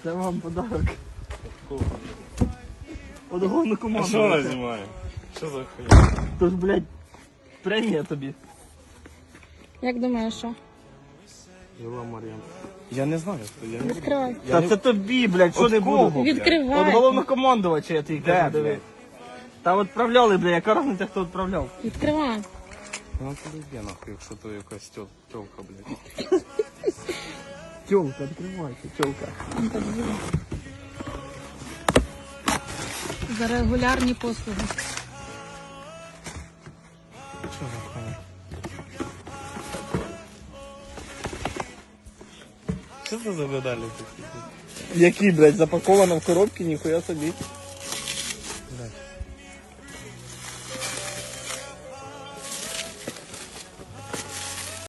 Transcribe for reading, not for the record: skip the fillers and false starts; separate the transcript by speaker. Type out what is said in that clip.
Speaker 1: Це вам подарок. От головну команду.
Speaker 2: А що вона знімає? Що за хуйня?
Speaker 1: Тож, блядь, премія тобі.
Speaker 3: Як думаєш, що?
Speaker 2: Жила Мар'ян. Я не знаю, хто я не
Speaker 3: Відкривай.
Speaker 1: Та це тобі, блядь, що не
Speaker 2: кого?
Speaker 1: буду.
Speaker 3: Відкривай.
Speaker 1: От головнокомандувача я твій кажу, диви. Та відправляли, блядь, яка разниця, хто відправляв?
Speaker 3: Відкривай.
Speaker 2: Ну це йде нахуй, якщо то якась тёлка, блядь.
Speaker 1: Тьолка, відкривайся, тьолка.
Speaker 3: За регулярні послуги.
Speaker 2: Що за хуйня? Що це за медалі такі?
Speaker 1: Які, блядь, запаковано в коробці, ніхуя собі.